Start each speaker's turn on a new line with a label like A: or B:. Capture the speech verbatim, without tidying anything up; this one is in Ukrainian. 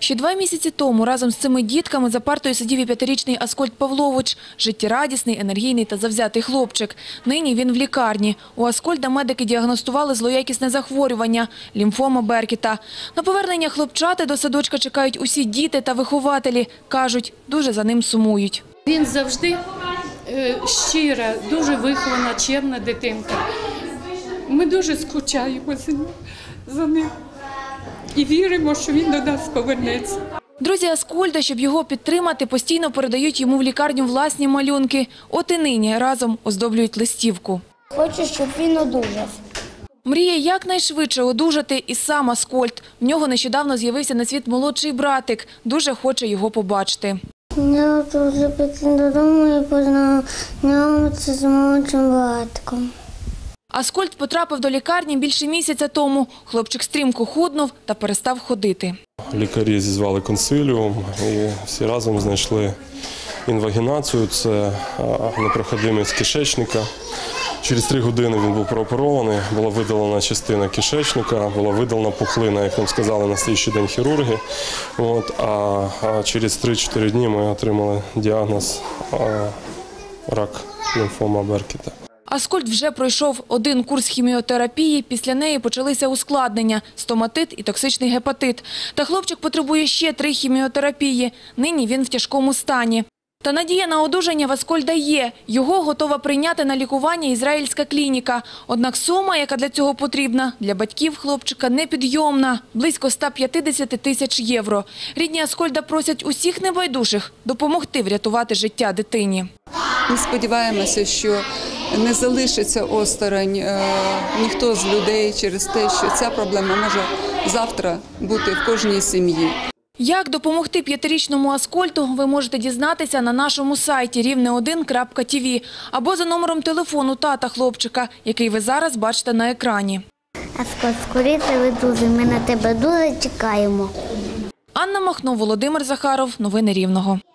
A: Ще два місяці тому разом з цими дітками за партою сидів і п'ятирічний Аскольд Павлович. Життєрадісний, енергійний та завзятий хлопчик. Нині він в лікарні. У Аскольда медики діагностували злоякісне захворювання – лімфома Беркета. На повернення хлопчати до садочка чекають усі діти та вихователі. Кажуть, дуже за ним сумують.
B: Він завжди е, щира, дуже вихована, чемна дитинка. Ми дуже скучаємо за ним і віримо, що він до нас повернеться.
A: Друзі Аскольда, щоб його підтримати, постійно передають йому в лікарню власні малюнки. От і нині разом оздоблюють листівку.
C: Хочу, щоб він одужав.
A: Мріє якнайшвидше одужати і сам Аскольд. В нього нещодавно з'явився на світ молодший братик. Дуже хоче його побачити.
C: Я дуже піти додому і познайомитися з молодшим братком.
A: Аскольд потрапив до лікарні більше місяця тому. Хлопчик стрімко худнув та перестав ходити.
D: Лікарі зізвали консиліум і всі разом знайшли інвагінацію – це непроходимість кишечника. Через три години він був прооперований, була видалена частина кишечника, була видалена пухлина, як нам сказали на слідчий день хірурги. От, а через три-чотири дні ми отримали діагноз рак лімфома Беркета.
A: Аскольд вже пройшов один курс хіміотерапії, після неї почалися ускладнення – стоматит і токсичний гепатит. Та хлопчик потребує ще три хіміотерапії. Нині він в тяжкому стані. Та надія на одужання в Аскольда є. Його готова прийняти на лікування ізраїльська клініка. Однак сума, яка для цього потрібна, для батьків хлопчика непідйомна – близько ста п'ятдесяти тисяч євро. Рідні Аскольда просять усіх небайдужих допомогти врятувати життя дитині.
E: Ми сподіваємося, що не залишиться осторонь е, ніхто з людей через те, що ця проблема може завтра бути в кожній сім'ї.
A: Як допомогти п'ятирічному Аскольду, ви можете дізнатися на нашому сайті рівне один крапка ті ві або за номером телефону тата хлопчика, який ви зараз бачите на екрані.
C: Аскольд, скоріше видужуй, ми на тебе дуже чекаємо.
A: Анна Махно, Володимир Захаров. Новини Рівного.